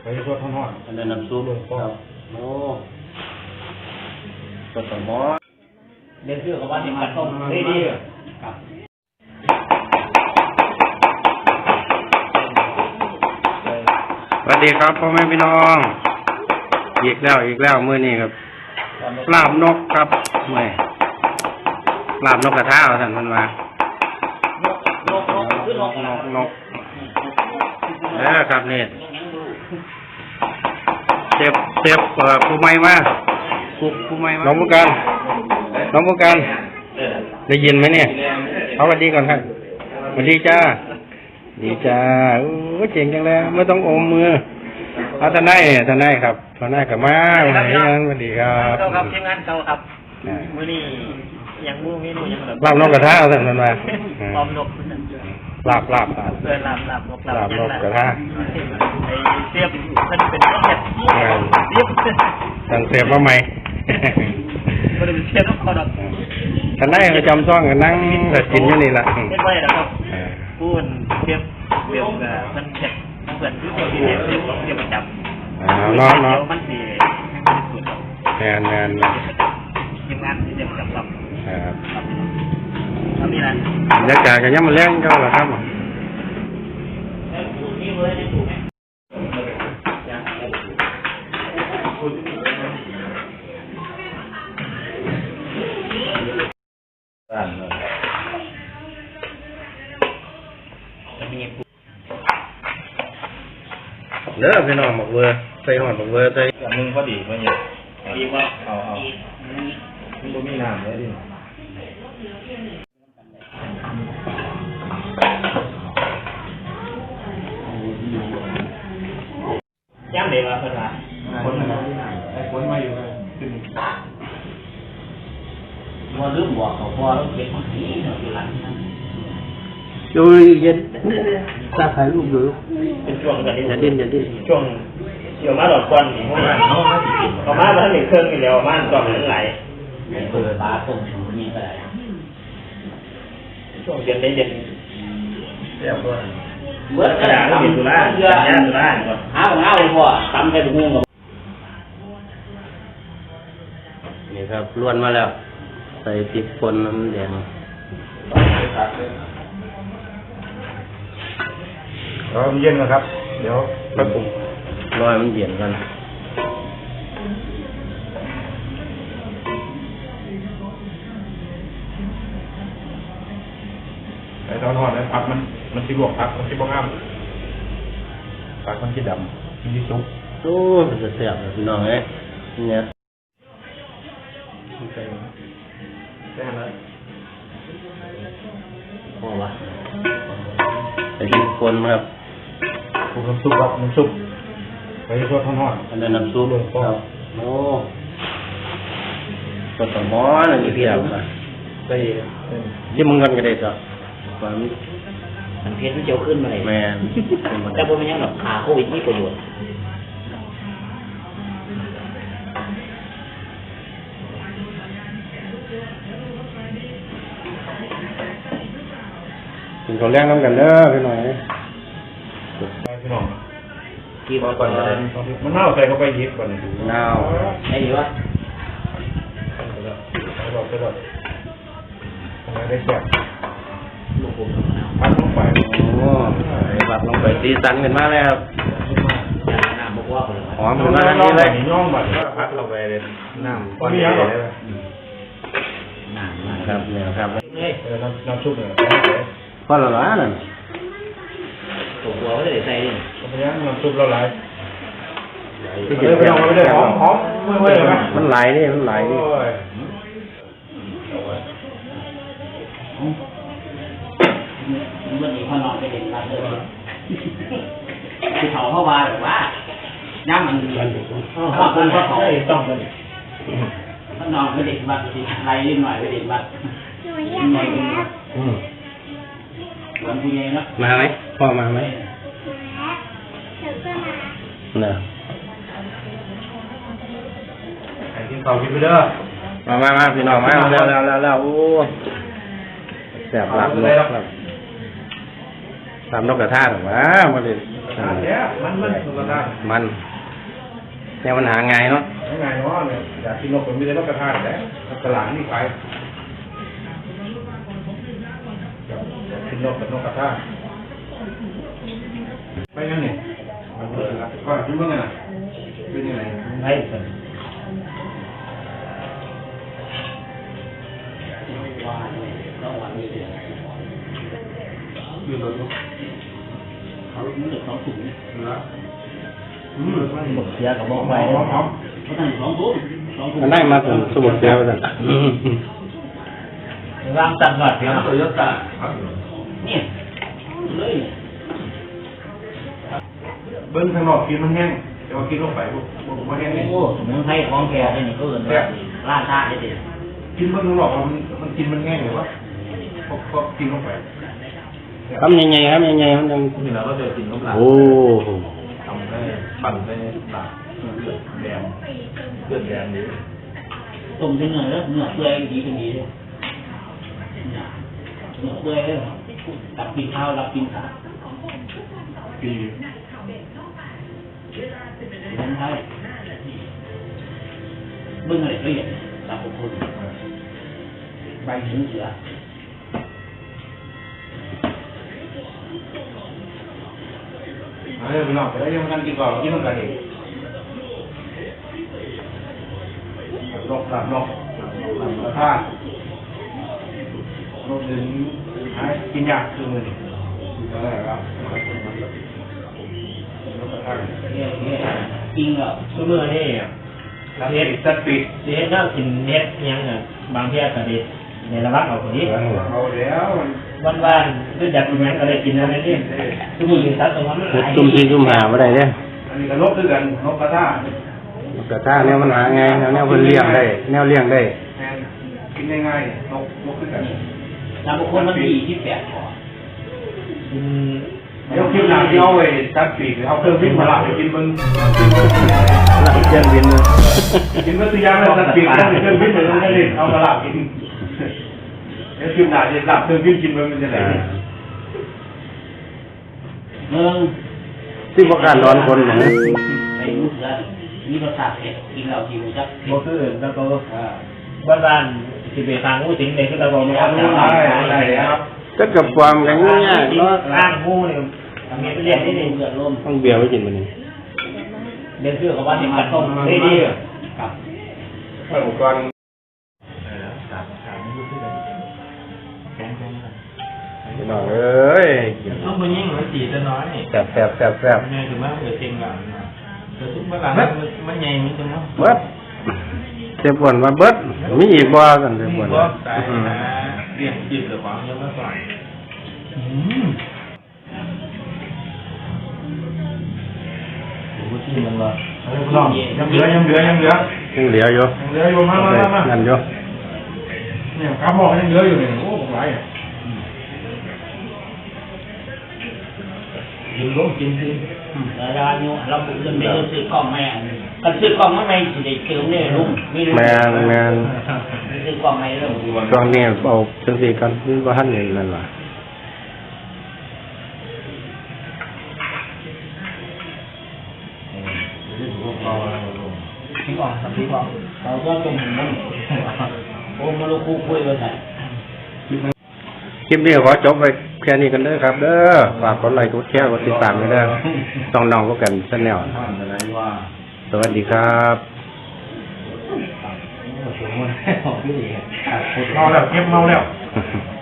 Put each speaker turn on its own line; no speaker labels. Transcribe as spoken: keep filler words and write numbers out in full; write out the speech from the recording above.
ไปรถทอดอันนั้นน้ำซุปครับโอ้ก็สมอเรียนชื่อกับว่าที่มันต้มดีดีครับ
สวัสดีครับพ่อแม่พี่น้องอีกแล้วอีกแล้วมื้อนี้ครับลาบนกครับไม่ลาบนกกระทะท่านมันมาน
กนกคือนก
นกนกเออครับนี่เจ็บเจ็บเปิดผู้ไม่มาผู้ผู้ไม่มาน้องผู้การน้องผู้การได้ยินไหมเนี่ยเอาสวัสดีก่อนครับสวัสดีจ้าดีจ้าโอ้เจ๋งจังเลยไม่ต้องอมมือเอาทนายทนายครับทนายกับมาวันนี้สวัสดีครับ
เก่าครับทีมงานเก่าครับมื้อนี้ยังมูเมนูยังแบบ
ลาบนกกระทะเอาท่านมันมา
พร้อมนก
ลาบลาบลาบ
เออลาบลาบนก
ลาบนกกระทะ
ไอ้เสียบมันเป็นนกเห็ดเสียบ
สั่งเสียบมาใหม่
มันเป็นเสียบนกเขาดอก
ทนายประจำซ่องกันนั่งแต่กินอยู่นี่แหละ
เป็นไว้นะครับพูดเสียบเสียบมันเห็ดเปิดที่ตัวที่เห็ดเสียบเสียบประจำ
อ่าเนาะเนาะ
มันดีสุด
แมนแมน
ทีมงานที่เสียบประจำครับ
ครับ
แล้วมีอะไร
บรรยากาศกันยังมาเลี้ยงก็แล้วครับเด้อพี่น้องหมกเวอร์ใส่หอดหมกเวอร์ใส่
อันนึงพอดีมันเยอะดีว่าเอาเอามันก็มีน้ำเลยดิย่างเด็กมาเพื่อนมาคนมาไอ้คนมาอยู่เลยว่าลืมบอกเขาพอแล้วเก็บของที่อยู่หลังนั้น
ดูเย็นตาถ่ายรูปดู
เป็นช่วงกัน
อย่าดิ้นอย่าดิ้น
ช่วงเดี๋ยวมาดอกควันนี่พวกนั้นเขามาสิกินเขามามาทั้งหนึ่งเครื่องนี่แล้วมาตอนนั้นไหลเปิดปลาต้มสูนี่ก็ได้ช่วงเย็นได้เย็นเรียบร้อยเมื่อกระดาษก็มีตุลาสัญญาตุลาก่อนหาของเอาพ่อทำให้ดูงง
นี่ครับล้วนมาแล้วใส่พริกป่นน้ำแดง
รอมันเย็นนะครับเดี๋ยวไปปรุง
รอยมันเย็นกัน
ไอ้ตอนทอดไอ้ผักมันมันสิบวกผักมันสิบวกอ้ามผักมันสิดำมันสิสุก
โอ้มันจะเสียบพี่น้องเอ้ยเนี่ย
ใส่ใส่อะไร
พอวะใส่พริกป่นครับ
ปรุงน้ำซุปครับน้ำซุปไปรสทอด
อันนั้นน้ำซุปครับโอ้ก็ต้องหม้อนั่นนี่เพียบอ่ะ
ใส่
ที่มึงกันก็ได้จ้ะความ
มันเพชรมันเจียวขึ้นมาเลย
แมน
แต่พวกมันยังแบบขาโควิดมีประโยชน์
กินข้าวแรงน้ำกันเด้อพี่หน่อย
พี่น้อง
กี่วัน
ก่อนมันเน่าใส่เข้าไปยิบก่อนดู
น้าว
ไอ้ดีวะ
ใส่หลอดใส่หลอดทำไมได้แซ่บ
ลูกผม
พัดลงไป
โอ้ยหลับลงไปสีสันกันมากเลยครับ
น้ำบอกว่าเลย
หอมขึ้นมาทันทีเลย
ย่องบัดก็พัดลงไปเลยน้ำก้อนใหญ่เลย
น้ำน้ำ
ครับเนี่ยครับ
เฮ้ย
เออน้ำน้ำซุปเนี่ย
พอและล้านั่น
ตัวหัวไม่ได้ใส่ดิ
เพราะงั้นน้ำซุปเราไหล
ที่
เออไปลองไปเลยหอมหอมเมื่อยๆเลยไหม
มันไหลนี่มันไหลนี่
มันมีข้อนอนไปเด็กรักเลยคือเขาเข้ามาแบบว่าย่ำมันถ้าคนเขาเขา
ต้องเลย
ข้อนอนไปเด็กวัดไรนิดหน่อยไปเด็กวัดหน่อยวันผู้ใหญ่เนาะ
มาไหมพ่อมาไหมเนี่ย
ไอ้ที่เตากินไปเด้อ
มามามาพี่น้องมาแล้วแล้วแล้วแล้วโอ้แสบหลับนกครับทำนกกระทาหรอวะมาเลย
เอมันมันมันกระทะ
มันเนี่ยมันหาง่ายเนาะ
ง่ายเนาะเนี่ยอยากกินนกผมไม่ได้นกกระทะแต่ตลาดนี่ขายกินนกกับนกกระทะไปยังนี่มันเลยครับก็คิดว่าไงน่ะเป็นยังไงให้สิยืนรถเนาะเขาไม่ได้สองถุงนะอืมหมดเสียกับบอกไปเขาตั้งสองถุงสองถุง
มันได้มาถึงสมุดเดียวกัน
วางตัดหน่อยเพียง
โตโยต้า
เนี่ยเลย
เบิ้งข้างนอกกินมันแห้งแต่ว่ากินลงไปปุ๊บมันแห้งนี่
โอ้สมุนไพรของแกนี่ก็เอิ้นว่าล่าชาได้ดิ
กินเบิ้งข้างนอกมันมันกินมันแห้งหรือวะพอพอกินลงไป
ทำยังไงครับยังไงมันยัง
นี่เราก็จะกินน้ำลาย
โอ้
ทำได้ปั่นได้ปากเลือดแดงเลือดแดงนี้
ต้มเนื้อแล้วเนื้อเปื่อยดีเป็นดีเลยเนื้อเปื่อยเลยรับกินข้าวรับกินขา
ปี
สมุนไพรเบิ่งอะไรละเอียดรับทุกคนใบหูเสือ
เอาเลยพี่น้องแต่ยังกันกินก่อนกินต้องกันเองนกหลับนกหลับกระทะนกดึงหายกินยากคือมือนี่อะไรครับนกกระทะ
เนี่ยเนี่ยจริงเหรอ
ซุมื้อนี่
แล้วเฮ็ดตัดปีก
สิเฮ็ดแนวกินเฮ็ดอิหยังน่ะบางเที่ยก็ดีในระวังเอาคนนี้
เอาแล้วมัน
บ้านๆคืออยากกินหยังก็ได้กินนั่นนี่ซุมื้อนี้สัตว์ตรงนั้นมันห
เฮ็ด
ลาย
ซุ่มที่ซุ่มหาบ่ได้เด้อ
อันนี้ก็นกด้วยกันนกกระทะ
กระทะแนวมันหาง่ายแนวแนวเพิ่นเลี้ยงได้แนวเลี้ยงได้
แม่นกินง่ายๆนกนกด้วยกัน
แล้วบางคนมันดีที่แปดคอ
กิน
เดี๋ยวคิดหนักที่เอาไว้ตัดปีกเอาเครื่องวิ่งมาละไปกินเบิ้ง
หลังเชียงบินเลย
กินก็ตัวยางเลยตัดปีกต้องเครื่องวิ่งเลยต้องได้เอามาละกินเดี๋ยวคิดหนักจะหลับเครื่องวิ่งกินมันจะไหน
เมือง
ที่บ่การร้อนคนนะ
ไอ้ลูกเสือมีรสชาติเผ็ดกินแล้วกินจัก
บ่คือแล้วก็บ้านๆสิไปทางงูสิงเลยคือตะบ่มีเอา
ได้ได้แล้ว
ก็กับความกันง่ายๆเนาะ
ล่างงูนี่มีเรียกนี่นี่
เลือดลม
ต้องเบียร์ไว้กินมื้อนี้
เรียนชื่อเขาว่าสิมาต้มได้ดี
ครับ
เปิดอุปกรณ์
พี่น้องเอ้ย
ต้องไปยิ่งมันสีจะน้อยนี่
แซ่บแซ่บแซ่บแซ่บ
แม่คือว่าเกิดเต็งหลังแต่ทุกเมื่อหลังมันใหญ่มันจังเนาะ
เบิดเจ็บปวดมาเบิดมีอีกบ่กันเจ็บปวด
ก็ตายนะเรียกจิตหรือความยังไม่ส่อยอืมโอ้ที่มันละ
ลองยังเหลือยังเหลือยังเหลือ
ยังเหลืออยู่
ยังเหลืออยู่มามามา
นั่นอยู่
เนี่ยกระบอกยังเหลืออยู่เนี่ยโอ้ผมไรอ่ะ
อยู่ร่วมกินสิ
แล้วเราเราบุกเรื่องไม่ต้องซื้อกล้องแม่กันซื้อกล้องมาไม่สิได้เติมเนี่ยลุงมีลุง
แมนแมน
ซื้อกล้องไม่เรื่อง
ช่วงนี้เอาจังซี่กันนี่บ่ทันนี่นั่นล่ะ
ทิ้งออกสักทีก่อน
เราก็ตรงนั้นโอ้มาลูกคู่คุยไว้ใส่
คลิปนี้ขอจบไว้แค่นี้กันเด้อครับ เด้อฝากกดไลค์กดแชร์กดติดตามกันเด้อต้องน้องก็กันชาแนลสวัสดีครับ
เมาแล้วเก็บเมาแล้ว